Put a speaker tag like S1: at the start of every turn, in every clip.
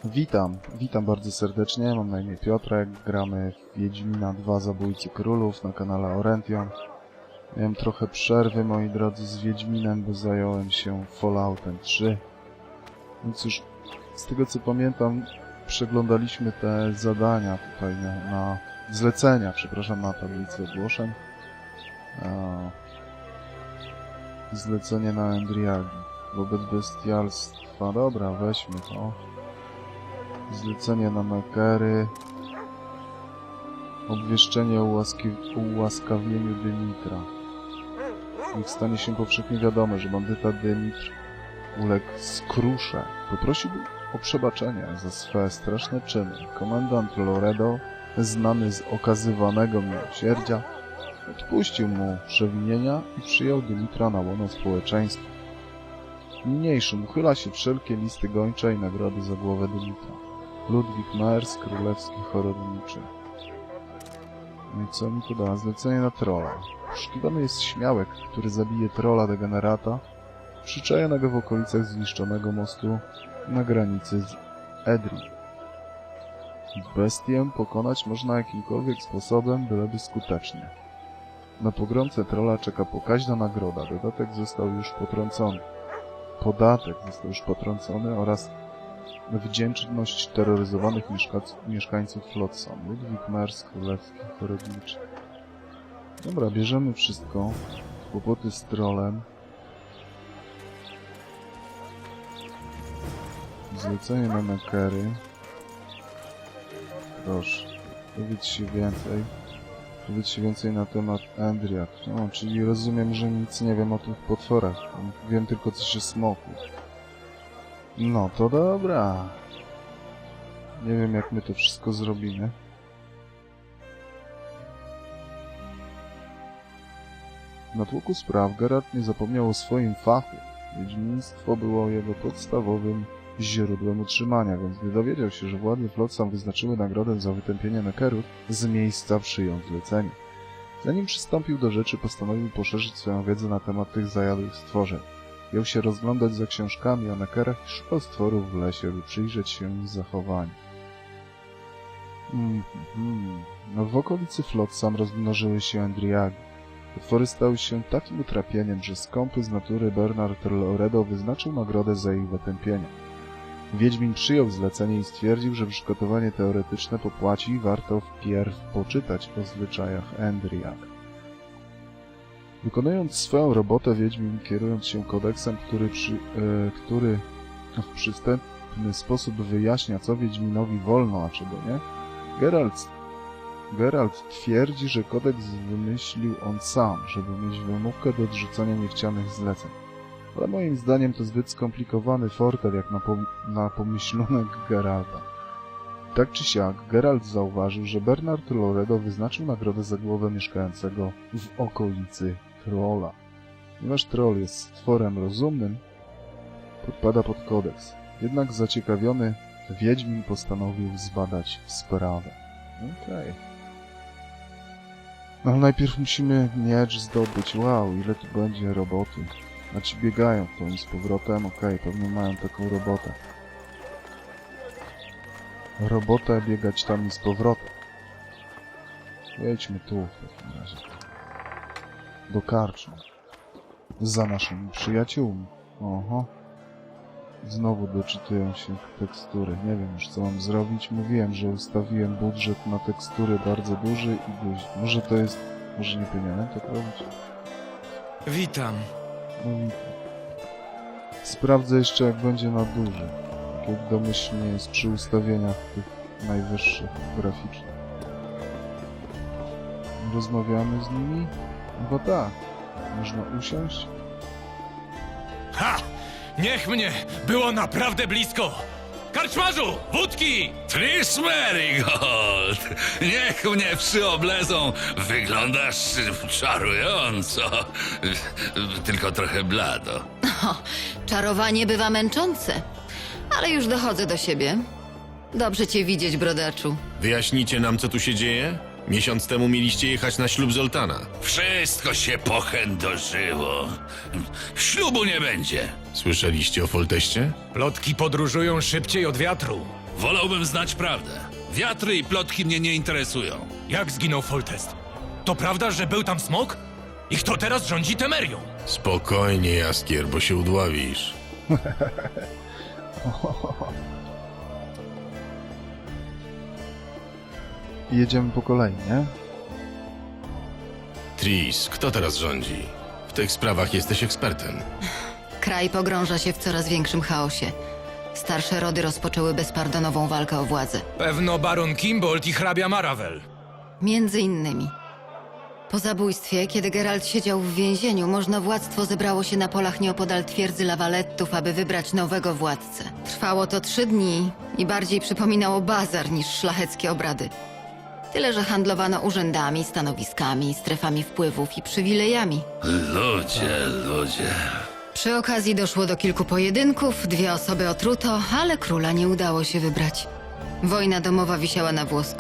S1: Witam bardzo serdecznie, mam na imię Piotrek, gramy w Wiedźmina 2 Zabójcy Królów na kanale Orention. Miałem trochę przerwy, moi drodzy, z Wiedźminem, bo zająłem się Falloutem 3. No cóż, z tego co pamiętam, przeglądaliśmy te zadania tutaj na zlecenia, przepraszam, na tablicy ogłoszeń. Zlecenie na Endriagi. Wobec bestialstwa, dobra, weźmy to. Zlecenie na Nekery. Obwieszczenie o ułaskawieniu Dymitra. Niech stanie się powszechnie wiadome, że bandyta Dymitr uległ skrusze. Poprosiłby o przebaczenie za swe straszne czyny. Komendant Loredo, znany z okazywanego miłosierdzia, odpuścił mu przewinienia i przyjął Dymitra na łono społeczeństwa. Niniejszym uchyla się wszelkie listy gończe i nagrody za głowę Dymitra. Ludwik Mers, królewski chorodniczy. No i co mi to da? Zlecenie na trolla. Poszukiwany jest śmiałek, który zabije trolla degenerata, przyczajonego w okolicach zniszczonego mostu na granicy z Edri. Bestię pokonać można jakimkolwiek sposobem, byleby skutecznie. Na pogromcę trolla czeka pokaźna nagroda. Podatek został już potrącony oraz wdzięczność terroryzowanych mieszkańców Flotsam. Ludwik Mers, królewski chorodniczy. Dobra, bierzemy wszystko. Kłopoty z trollem. Zlecenie na Nekery. Proszę, dowiedz się więcej na temat Endriak. No, czyli rozumiem, że nic nie wiem o tych potworach. Wiem tylko coś o smoku. No to dobra. Nie wiem, jak my to wszystko zrobimy. Na tłoku spraw Geralt nie zapomniał o swoim fachu. Wiedźmiństwo było jego podstawowym źródłem utrzymania, więc gdy dowiedział się, że władze Flotsam wyznaczyły nagrodę za wytępienie Nekerów, z miejsca przyjął zlecenie. Zanim przystąpił do rzeczy, postanowił poszerzyć swoją wiedzę na temat tych zajadłych stworzeń. Jął się rozglądać za książkami o Nekerach i szukał stworów w lesie, by przyjrzeć się ich zachowaniu. No, w okolicy Flotsam rozmnożyły się Endriagi. Potwory stały się takim utrapieniem, że skąpy z natury Bernard Loredo wyznaczył nagrodę za ich wytępienie. Wiedźmin przyjął zlecenie i stwierdził, że przygotowanie teoretyczne popłaci i warto wpierw poczytać o zwyczajach Endriag. Wykonując swoją robotę, Wiedźmin, kierując się kodeksem, który w przystępny sposób wyjaśnia, co Wiedźminowi wolno, a czego nie, Geralt twierdzi, że kodeks wymyślił on sam, żeby mieć wymówkę do odrzucania niechcianych zleceń. Ale moim zdaniem to zbyt skomplikowany fortel jak na pomyślunek Geralta. Tak czy siak, Geralt zauważył, że Bernard Loredo wyznaczył nagrodę za głowę mieszkającego w okolicy trolla. Ponieważ troll jest stworem rozumnym, podpada pod kodeks. Jednak zaciekawiony Wiedźmin postanowił zbadać sprawę. Okej. No ale najpierw musimy miecz zdobyć. Wow, ile tu będzie roboty. A ci biegają w tą i z powrotem. Okej, pewnie mają taką robotę. Robotę biegać tam i z powrotem. Jedźmy tu w takim razie. Do karczmy. Za naszymi przyjaciółmi. Oho. Znowu doczytują się tekstury. Nie wiem już, co mam zrobić. Mówiłem, że ustawiłem budżet na tekstury bardzo duży i duży. Może to jest... Może nie powinienem tak robić?
S2: Witam.
S1: No witam. Sprawdzę jeszcze, jak będzie na duży. Tak jak domyślnie jest przy ustawieniach tych najwyższych graficznych. Rozmawiamy z nimi? No bo tak. Można usiąść?
S2: Ha! Niech mnie! Było naprawdę blisko! Karczmarzu! Wódki!
S3: Trish Merigold! Niech mnie przyoblezą! Wyglądasz czarująco. Tylko trochę blado.
S4: Czarowanie bywa męczące, ale już dochodzę do siebie. Dobrze cię widzieć, brodaczu.
S5: Wyjaśnicie nam, co tu się dzieje? Miesiąc temu mieliście jechać na ślub Zoltana.
S3: Wszystko się pochędożyło. Ślubu nie będzie.
S5: Słyszeliście o Folteście?
S2: Plotki podróżują szybciej od wiatru.
S3: Wolałbym znać prawdę. Wiatry i plotki mnie nie interesują.
S2: Jak zginął Foltest? To prawda, że był tam smok? I kto teraz rządzi Temerią?
S5: Spokojnie, Jaskier, bo się udławisz.
S1: Jedziemy po kolei, nie?
S5: Tris, kto teraz rządzi? W tych sprawach jesteś ekspertem.
S4: Kraj pogrąża się w coraz większym chaosie. Starsze rody rozpoczęły bezpardonową walkę o władzę.
S2: Pewno baron Kimbold i hrabia Maravel.
S4: Między innymi. Po zabójstwie, kiedy Geralt siedział w więzieniu, można władztwo zebrało się na polach nieopodal twierdzy Lawalettów, aby wybrać nowego władcę. Trwało to 3 dni i bardziej przypominało bazar niż szlacheckie obrady. Tyle, że handlowano urzędami, stanowiskami, strefami wpływów i przywilejami.
S3: Ludzie.
S4: Przy okazji doszło do kilku pojedynków, 2 osoby otruto, ale króla nie udało się wybrać. Wojna domowa wisiała na włosku.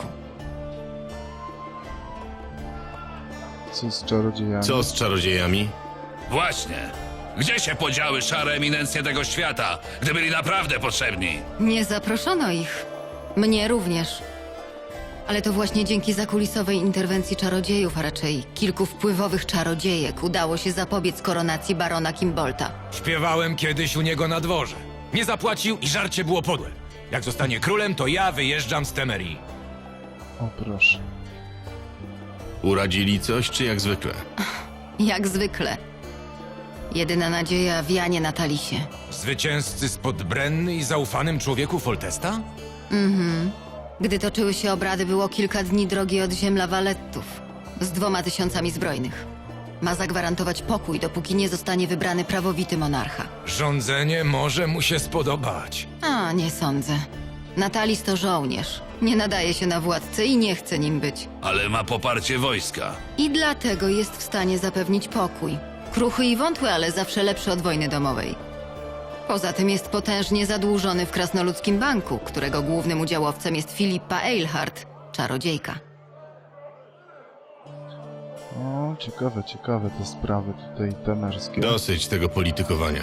S1: Co z czarodziejami?
S5: Co z czarodziejami?
S3: Właśnie. Gdzie się podziały szare eminencje tego świata, gdy byli naprawdę potrzebni?
S4: Nie zaproszono ich. Mnie również. Ale to właśnie dzięki zakulisowej interwencji czarodziejów, a raczej kilku wpływowych czarodziejek, udało się zapobiec koronacji barona Kimbolta.
S2: Śpiewałem kiedyś u niego na dworze. Nie zapłacił i żarcie było podłe. Jak zostanie królem, to ja wyjeżdżam z Temerii.
S1: O proszę.
S5: Uradzili coś, czy jak zwykle?
S4: Jak zwykle. Jedyna nadzieja wianie na Talisie.
S2: Zwycięzcy spod Brenny i zaufanym człowieku Foltesta?
S4: Gdy toczyły się obrady, było kilka dni drogi od ziem Lawalettów. Z 2000 zbrojnych. Ma zagwarantować pokój, dopóki nie zostanie wybrany prawowity monarcha.
S2: Rządzenie może mu się spodobać.
S4: A, nie sądzę. Natalis to żołnierz. Nie nadaje się na władcę i nie chce nim być.
S3: Ale ma poparcie wojska.
S4: I dlatego jest w stanie zapewnić pokój. Kruchy i wątły, ale zawsze lepszy od wojny domowej. Poza tym jest potężnie zadłużony w Krasnoludzkim Banku, którego głównym udziałowcem jest Filipa Eilhart, czarodziejka.
S1: O, ciekawe te sprawy tutaj temerskie.
S5: Dosyć tego politykowania.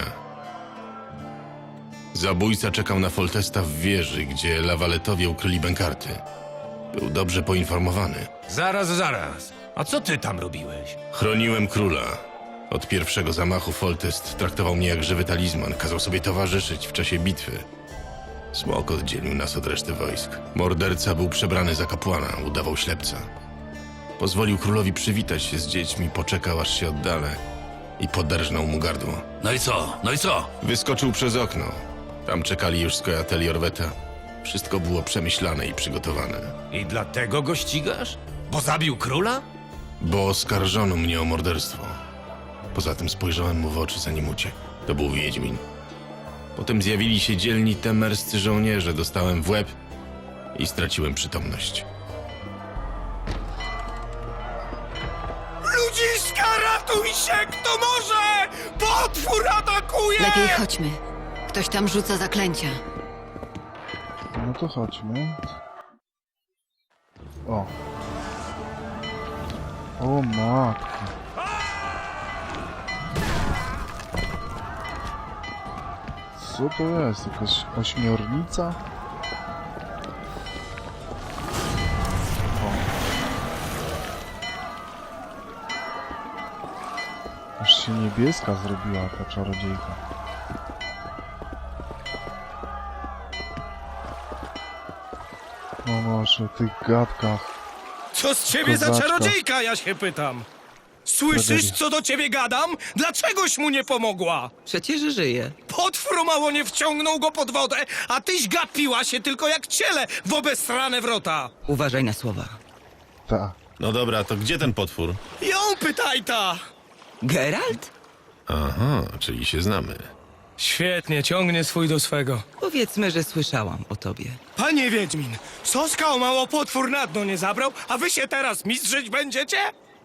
S5: Zabójca czekał na Foltesta w wieży, gdzie Lawaletowie ukryli bękarty. Był dobrze poinformowany.
S2: Zaraz. A co ty tam robiłeś?
S5: Chroniłem króla. Od pierwszego zamachu Foltest traktował mnie jak żywy talizman, kazał sobie towarzyszyć w czasie bitwy. Smok oddzielił nas od reszty wojsk. Morderca był przebrany za kapłana, udawał ślepca. Pozwolił królowi przywitać się z dziećmi, poczekał aż się oddalę i poderżnął mu gardło.
S3: No i co?
S5: Wyskoczył przez okno. Tam czekali już skojateli Orweta. Wszystko było przemyślane i przygotowane.
S2: I dlatego go ścigasz? Bo zabił króla?
S5: Bo oskarżono mnie o morderstwo. Poza tym spojrzałem mu w oczy, zanim uciekł. To był Wiedźmin. Potem zjawili się dzielni temerscy żołnierze, dostałem w łeb i straciłem przytomność.
S6: Ludziska, ratuj się, kto może! Potwór atakuje!
S4: Lepiej chodźmy. Ktoś tam rzuca zaklęcia.
S1: No to chodźmy. O. O matko. Co to jest? Jakaś ośmiornica? O. Aż się niebieska zrobiła ta czarodziejka. No może w tych gadkach.
S6: Co z ciebie za
S1: Kozaczka.
S6: czarodziejka, ja się pytam? Słyszysz,
S1: Tragedia.
S6: co do ciebie gadam? Dlaczegoś mu nie pomogła?
S7: Przecież żyje.
S6: Potwór mało nie wciągnął go pod wodę, a tyś gapiła się tylko jak ciele w obesrane wrota.
S7: Uważaj na słowa.
S1: Ta.
S5: No dobra, to gdzie ten potwór?
S6: Ją pytaj ta!
S7: Geralt?
S5: Aha, czyli się znamy.
S6: Świetnie, ciągnie swój do swego.
S7: Powiedzmy, że słyszałam o tobie.
S6: Panie Wiedźmin, Soskał mało potwór na dno nie zabrał, a wy się teraz mistrzyć będziecie?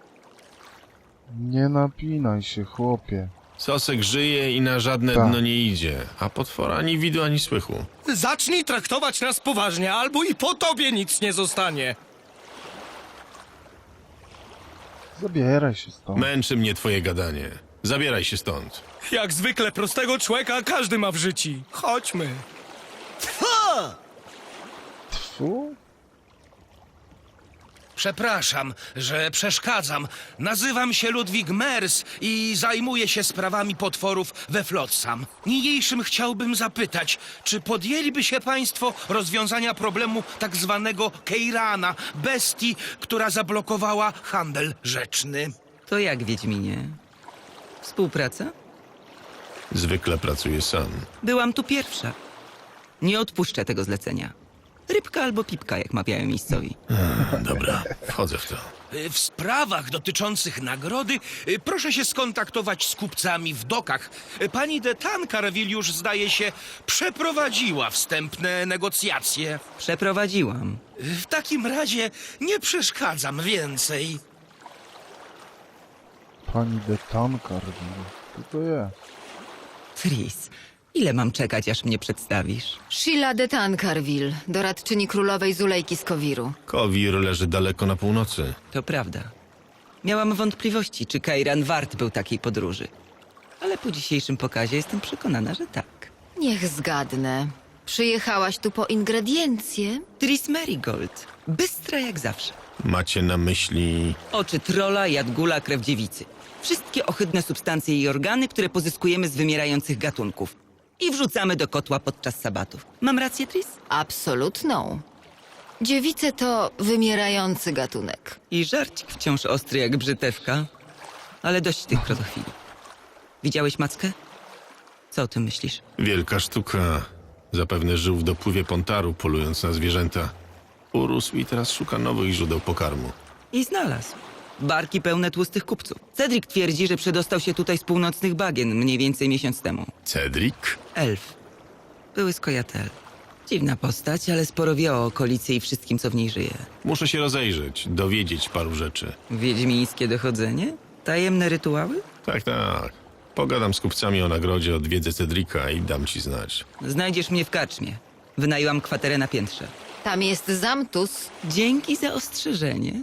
S1: Nie napinaj się, chłopie.
S5: Sosek żyje i na żadne
S1: Tak.
S5: dno nie idzie, a potwora ani widu, ani słychu.
S6: Zacznij traktować nas poważnie, albo i po tobie nic nie zostanie.
S1: Zabieraj się stąd.
S5: Męczy mnie twoje gadanie. Zabieraj się stąd.
S6: Jak zwykle prostego człowieka każdy ma w życiu. Chodźmy.
S1: Fu?
S6: Przepraszam, że przeszkadzam. Nazywam się Ludwig Mers i zajmuję się sprawami potworów we Flotsam. Niniejszym chciałbym zapytać, czy podjęliby się państwo rozwiązania problemu tak zwanego Keirana, bestii, która zablokowała handel rzeczny?
S7: To jak, Wiedźminie? Współpraca?
S5: Zwykle pracuję sam.
S7: Byłam tu pierwsza. Nie odpuszczę tego zlecenia. Rybka albo pipka, jak mawiają miejscowi.
S5: Dobra, wchodzę w to.
S6: W sprawach dotyczących nagrody proszę się skontaktować z kupcami w dokach. Pani de Tancarville już, zdaje się, przeprowadziła wstępne negocjacje.
S7: Przeprowadziłam.
S6: W takim razie nie przeszkadzam więcej.
S1: Pani de Tancarville. Co to jest?
S7: Tris, ile mam czekać, aż mnie przedstawisz?
S4: Sheila de Tancarville, doradczyni królowej Zulejki z Kowiru.
S5: Kowir leży daleko na północy.
S7: To prawda. Miałam wątpliwości, czy Kairan wart był takiej podróży. Ale po dzisiejszym pokazie jestem przekonana, że tak.
S4: Niech zgadnę. Przyjechałaś tu po ingrediencje?
S7: Tris Merigold. Bystra jak zawsze.
S5: Macie na myśli...
S7: Oczy trola, jadgula, krew dziewicy. Wszystkie ohydne substancje i organy, które pozyskujemy z wymierających gatunków. I wrzucamy do kotła podczas sabatów. Mam rację, Tris?
S4: Absolutną. Dziewice to wymierający gatunek.
S7: I żarcik wciąż ostry jak brzytewka. Ale dość tych krotochwili. Widziałeś mackę? Co o tym myślisz?
S5: Wielka sztuka. Zapewne żył w dopływie Pontaru, polując na zwierzęta. Urósł i teraz szuka nowych źródeł pokarmu.
S7: I znalazł. Barki pełne tłustych kupców. Cedric twierdzi, że przedostał się tutaj z północnych bagien mniej więcej miesiąc temu.
S5: Cedric?
S7: Elf. Były skojatel. Dziwna postać, ale sporo wie o okolicy i wszystkim, co w niej żyje.
S5: Muszę się rozejrzeć, dowiedzieć paru rzeczy.
S7: Wiedźmińskie dochodzenie? Tajemne rytuały?
S5: Tak, tak. Pogadam z kupcami o nagrodzie, odwiedzę Cedrika i dam ci znać.
S7: Znajdziesz mnie w karczmie. Wynajęłam kwaterę na piętrze.
S4: Tam jest Zamtus.
S7: Dzięki za ostrzeżenie.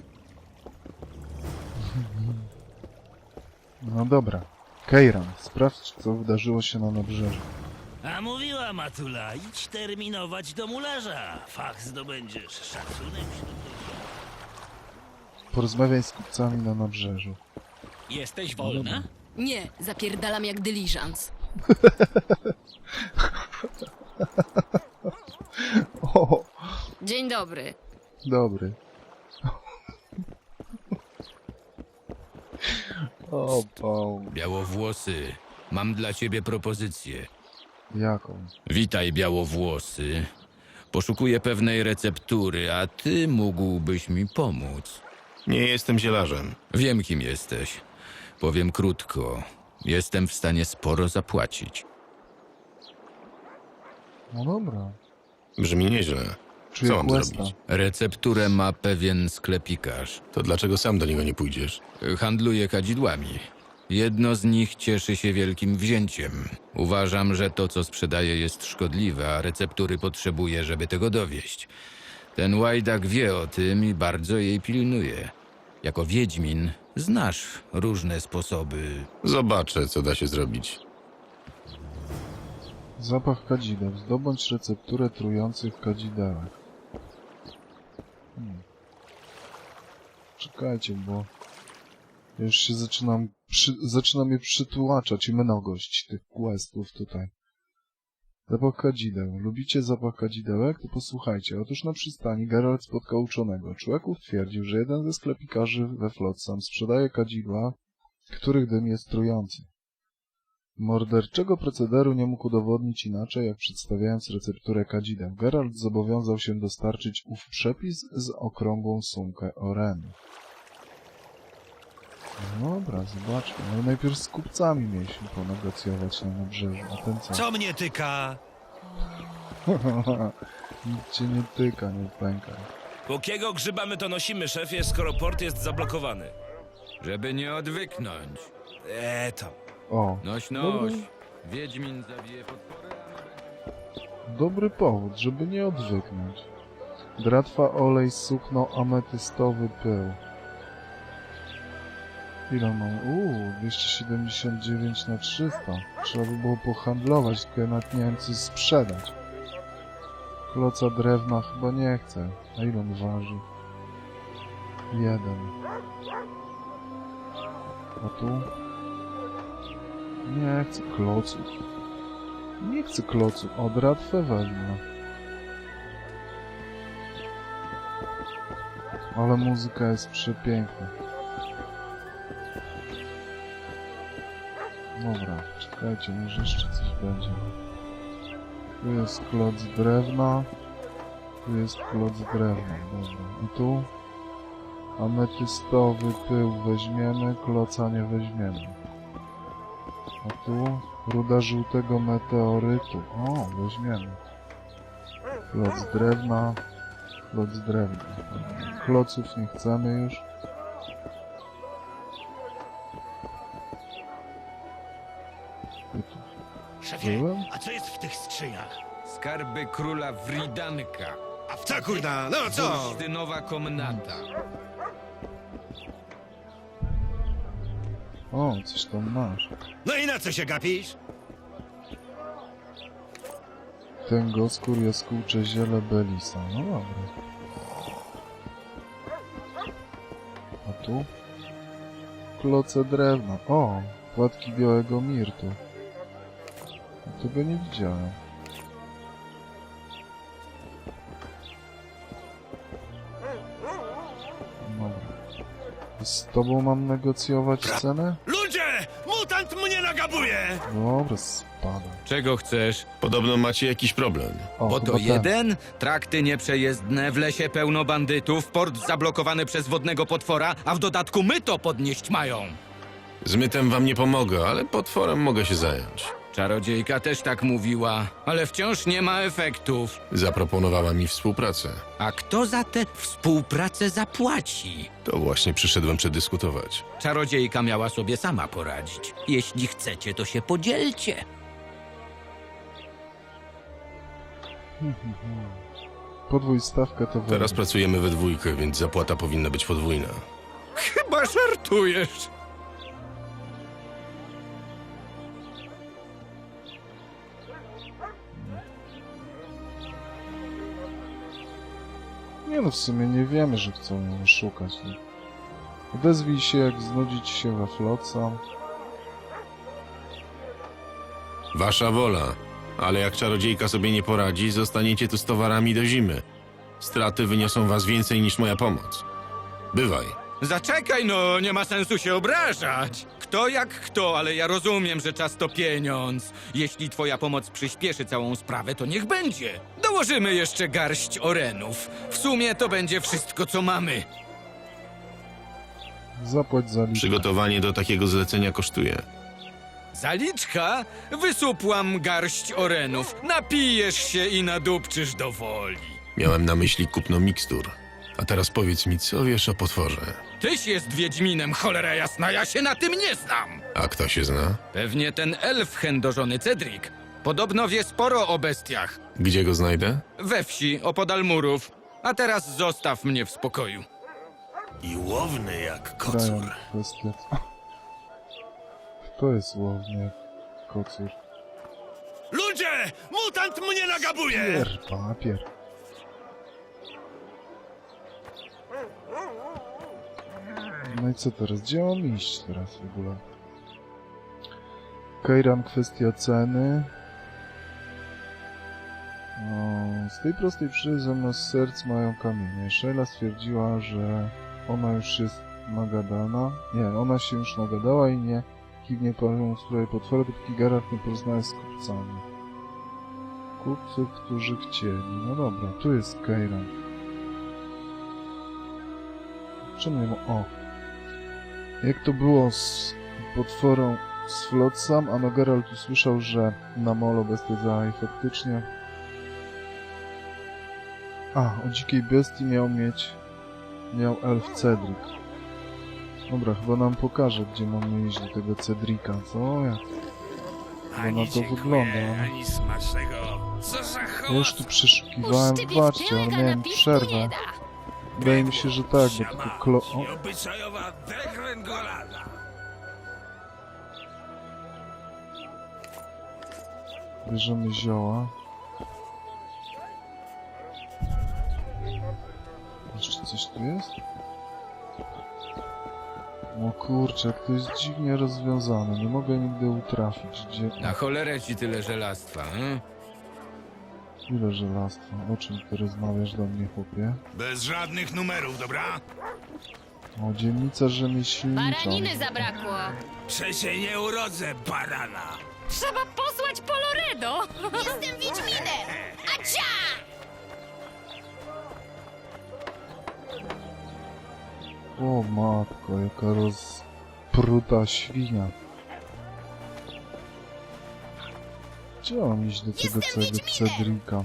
S1: No dobra. Keiran, sprawdź, co wydarzyło się na nabrzeżu.
S8: A mówiła Matula, idź terminować do mularza. Fach zdobędziesz, szacunek wśród
S1: Porozmawiaj z kupcami na nabrzeżu.
S8: Jesteś wolna?
S9: Nie, zapierdalam jak dyliżans.
S1: O,
S9: Dzień dobry.
S1: dobry. O, Paul.
S2: Białowłosy, mam dla ciebie propozycję.
S1: Jaką?
S2: Witaj, białowłosy. Poszukuję pewnej receptury, a ty mógłbyś mi pomóc.
S5: Nie jestem zielarzem.
S2: Wiem, kim jesteś. Powiem krótko. Jestem w stanie sporo zapłacić.
S1: No dobra.
S5: Brzmi nieźle.
S1: Czuję
S5: Co mam
S1: questa.
S5: zrobić?
S2: Recepturę ma pewien sklepikarz.
S5: To dlaczego sam do niego nie pójdziesz?
S2: Handluje kadzidłami. Jedno z nich cieszy się wielkim wzięciem. Uważam, że to, co sprzedaje, jest szkodliwe, a receptury potrzebuje, żeby tego dowieść. Ten łajdak wie o tym i bardzo jej pilnuje. Jako wiedźmin znasz różne sposoby.
S5: Zobaczę, co da się zrobić.
S1: Zapach kadzideł. Zdobądź recepturę trujących kadzidełek. Czekajcie, bo już się zaczyna mnie przytłaczać mnogość tych questów tutaj. Zapach kadzideł. Lubicie zapach kadzidełek? To posłuchajcie. Otóż na przystani Geralt spotkał uczonego. Człowieków twierdził, że jeden ze sklepikarzy we Flotsam sprzedaje kadzidła, których dym jest trujący. Morderczego procederu nie mógł udowodnić inaczej, jak przedstawiając recepturę kadzideł. Geralt zobowiązał się dostarczyć ów przepis z okrągłą sumkę Oreny. No dobra, zobaczmy. Ale najpierw z kupcami mieliśmy ponegocjować na nabrzeżu. A ten co?
S6: Co mnie tyka?
S1: Nic cię nie tyka, nie pękaj.
S8: Jakiego grzyba my to nosimy, szefie, skoro port jest zablokowany?
S2: Żeby nie odwyknąć.
S6: To.
S1: O,
S2: Noś. Wiedźmin zawije podporę.
S1: dobry powód, żeby nie odwyknąć. Dratwa, olej, sukno, ametystowy pył. Ile mam? 279 na 300. Trzeba by było pohandlować, tylko ja nawet nie wiem, co sprzedać. Kloca drewna chyba nie chcę. A ile on waży? 1. A tu? Nie chcę kloców. Nie chcę kloców. O, dratwę wezmę. Ale muzyka jest przepiękna. Dobra, czekajcie, może jeszcze coś będzie. Tu jest kloc drewna. Tu jest kloc drewna, dobra. I tu? Ametystowy pył weźmiemy, kloca nie weźmiemy. A tu? Ruda żółtego meteorytu. O, weźmiemy. Kloc drewna. Kloc drewna. Kloców nie chcemy już.
S8: Szefie,
S1: Byłem?
S8: a co jest w tych skrzyniach?
S2: Skarby króla Wridanka.
S8: A w
S10: Co kurna, no co?
S2: Bursztynowa komnata.
S1: O, coś tam masz.
S10: No i na co się gapisz?
S1: Tęgoskór, jaskółcze ziele Belisa. No dobra. A tu? Kloce drewna. O, płatki białego mirtu. Tego nie widziałem. Dobra. Z tobą mam negocjować cenę?
S10: Ludzie! Mutant mnie nagabuje!
S1: Dobra, spadam.
S2: Czego chcesz?
S5: Podobno macie jakiś problem.
S1: O,
S2: Bo
S1: chyba
S2: to
S1: ten.
S2: jeden? Trakty nieprzejezdne, w lesie pełno bandytów, port zablokowany przez wodnego potwora, a w dodatku my to podnieść mają.
S5: Z mytem wam nie pomogę, ale potworem mogę się zająć.
S2: Czarodziejka też tak mówiła, ale wciąż nie ma efektów.
S5: Zaproponowała mi współpracę.
S2: A kto za tę współpracę zapłaci?
S5: To właśnie przyszedłem przedyskutować.
S2: Czarodziejka miała sobie sama poradzić. Jeśli chcecie, to się podzielcie.
S1: Podwój stawkę to
S5: Teraz
S1: wezmę.
S5: pracujemy we dwójkę, więc zapłata powinna być podwójna.
S2: Chyba żartujesz.
S1: Nie no, w sumie nie wiemy, że chcą ją szukać. No. Odezwij się, jak znudzi ci się we Flotsam.
S5: Wasza wola, ale jak czarodziejka sobie nie poradzi, zostaniecie tu z towarami do zimy. Straty wyniosą was więcej niż moja pomoc. Bywaj.
S2: Zaczekaj no, nie ma sensu się obrażać. Kto jak kto, ale ja rozumiem, że czas to pieniądz. Jeśli twoja pomoc przyspieszy całą sprawę, to niech będzie. Dołożymy jeszcze garść orenów. W sumie to będzie wszystko, co mamy.
S1: Zapłać za liczbę.
S5: Przygotowanie do takiego zlecenia kosztuje.
S2: Zaliczka? Wysupłam garść orenów. Napijesz się i nadupczysz do woli.
S5: Miałem na myśli kupno mikstur. A teraz powiedz mi, co wiesz o potworze?
S2: Tyś jest wiedźminem, cholera jasna, ja się na tym nie znam.
S5: A kto się zna?
S2: Pewnie ten elf chędożony Cedric. Podobno wie sporo o bestiach.
S5: Gdzie go znajdę?
S2: We wsi, opodal murów. A teraz zostaw mnie w spokoju.
S10: I łowny jak
S1: Krają
S10: kocur.
S1: kwestia. Kto jest łowny jak kocur?
S10: Ludzie! Mutant mnie nagabuje!
S1: Pier, papier. No i co teraz? Gdzie mam iść teraz w ogóle? Kejran, kwestia ceny. No, z tej prostej przyczyny zamiast serc mają kamienie. Sheila stwierdziła, że ona już jest nagadana. Nie, ona się już nagadała i nie kiwnie panią w sprawie potwory, dopóki Geralt nie porozmawia z kupcami. Kupcy, którzy chcieli. No dobra, tu jest Kejran. Czemu nie ma... O! Jak to było z potworą z Flotsam? Ano Geralt usłyszał, że na molo bestia działa i faktycznie... A, o dzikiej bestii miał elf Cedric. Dobra, chyba nam pokaże, gdzie mamy iść do tego Cedrika, co? Jak chyba na to wygląda.
S10: ani smacznego. Co za
S1: Ja już tu przeszukiwałem, zobaczcie, ale miałem przerwę. Wydaje mi się, że tak, bo tylko o,
S10: obyczajowa degrengolada.
S1: bierzemy zioła. tu jest? O kurczę, jak to jest dziwnie rozwiązane. Nie mogę nigdy utrafić, gdzie...
S2: Na cholerę ci tyle żelastwa,
S1: Ile żelastwa? O czym ty rozmawiasz do mnie, chłopie?
S10: Bez żadnych numerów, dobra?
S1: O, dzielnica rzemieślnicza.
S9: Baraniny zabrakło.
S10: Prze się nie urodzę, barana.
S9: Trzeba posłać po Loredo. Jestem Wiedźminem. Acia!
S1: O matko, jaka rozpruta świnia. Gdzie mam iść do tego całego Cedrika?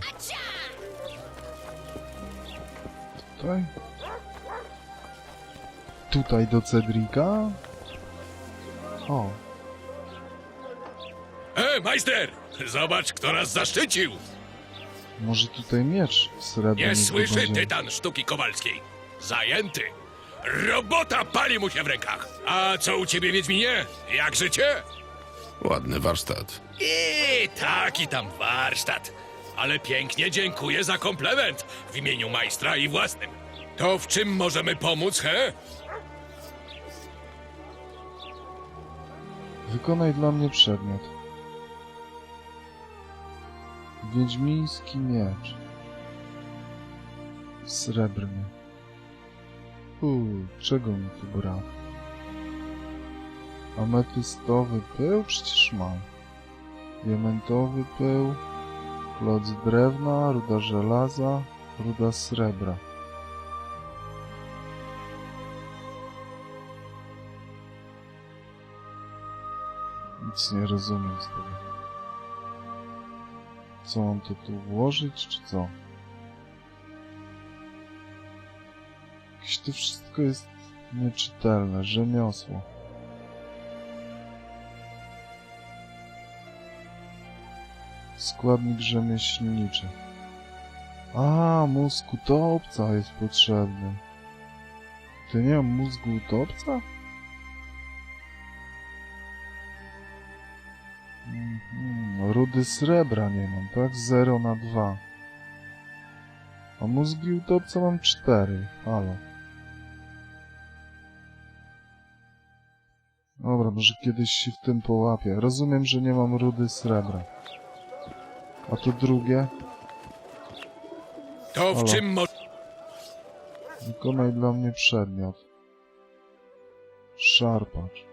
S1: Tutaj? Tutaj do Cedrika? O,
S3: Majster! Zobacz, kto nas zaszczycił!
S1: może tutaj miecz srebrny.
S3: Nie słyszy
S1: zdobędzie.
S3: tytan sztuki kowalskiej. Zajęty. Robota pali mu się w rękach. A co u ciebie, Wiedźminie? Jak życie?
S5: Ładny warsztat.
S3: I taki tam warsztat. Ale pięknie dziękuję za komplement w imieniu majstra i własnym. To w czym możemy pomóc, he?
S1: Wykonaj dla mnie przedmiot. Wiedźmiński miecz. Srebrny. Czego mi tu brak? Ametystowy pył? Przecież mam. Diamentowy pył. Kloc drewna, ruda żelaza, ruda srebra. Nic nie rozumiem z tego. Co mam to tu włożyć, czy co? Jakieś to wszystko jest nieczytelne, rzemiosło. Składnik rzemieślniczy. A, mózg utopca jest potrzebny. To nie mam mózgu utopca? Rudy srebra nie mam, tak? 0 na 2. A mózgi utopca mam 4. Halo. Dobra, może kiedyś się w tym połapię. Rozumiem, że nie mam rudy srebra. A to drugie?
S3: To w
S1: Halo.
S3: czym
S1: Wykonaj dla mnie przedmiot. Szarpacz.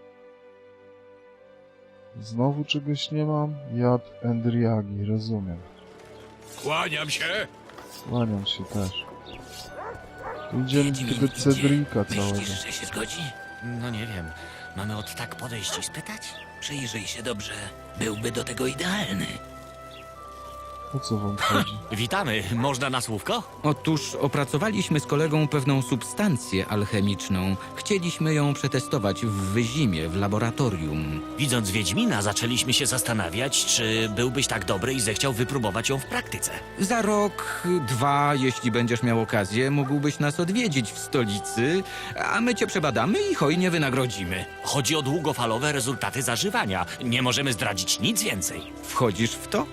S1: Znowu czegoś nie mam? Jad Endriagi, rozumiem.
S3: Kłaniam się.
S1: Kłaniam się też. Tu idziemy do tego Cedrika całego.
S8: Myślisz, że się zgodzi? No nie wiem. Mamy od tak podejść i spytać? Przyjrzyj się dobrze. Byłby do tego idealny.
S1: O co wam chodzi?
S8: Witamy. Można na słówko?
S2: Otóż opracowaliśmy z kolegą pewną substancję alchemiczną. Chcieliśmy ją przetestować w Wyzimie, w laboratorium.
S8: Widząc Wiedźmina, zaczęliśmy się zastanawiać, czy byłbyś tak dobry i zechciał wypróbować ją w praktyce.
S2: Za rok, 2, jeśli będziesz miał okazję, mógłbyś nas odwiedzić w stolicy, a my cię przebadamy i hojnie wynagrodzimy.
S8: Chodzi o długofalowe rezultaty zażywania. Nie możemy zdradzić nic więcej.
S2: Wchodzisz w to?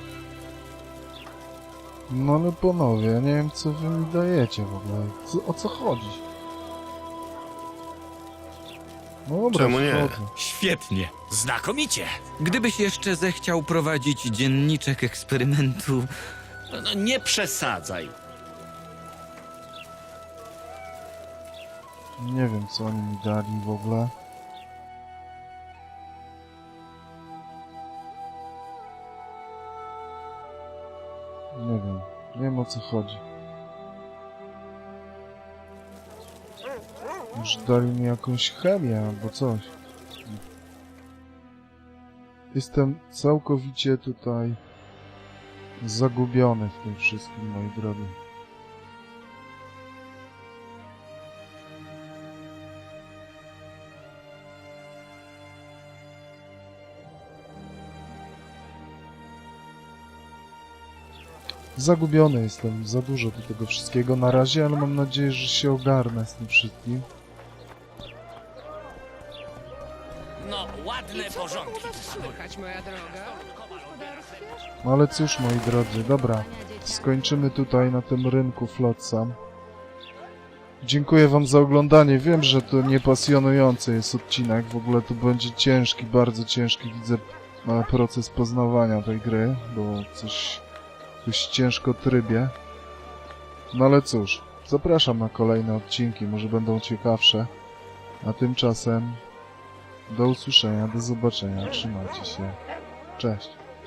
S1: No ale panowie, ja nie wiem co wy mi dajecie w ogóle. O co chodzi? No dobra,
S5: Czemu nie?
S1: wchodzę.
S2: Świetnie.
S8: Znakomicie.
S2: Gdybyś jeszcze zechciał prowadzić dzienniczek eksperymentu...
S8: No, nie przesadzaj.
S1: Nie wiem co oni mi dali w ogóle. Nie wiem o co chodzi. Już dali mi jakąś chemię albo coś. Jestem całkowicie tutaj zagubiony w tym wszystkim, moi drodzy. Zagubiony jestem, za dużo do tego wszystkiego na razie, ale mam nadzieję, że się ogarnę z tym wszystkim.
S8: No, ładne porządki.
S1: No ale cóż, moi drodzy, dobra, skończymy tutaj na tym rynku Flotsam. Dziękuję wam za oglądanie. Wiem, że to niepasjonujący jest odcinek. W ogóle to będzie ciężki, bardzo ciężki, widzę, proces poznawania tej gry, bo coś ciężko trybie. No ale cóż, zapraszam na kolejne odcinki, może będą ciekawsze. A tymczasem do usłyszenia, do zobaczenia, trzymajcie się. Cześć.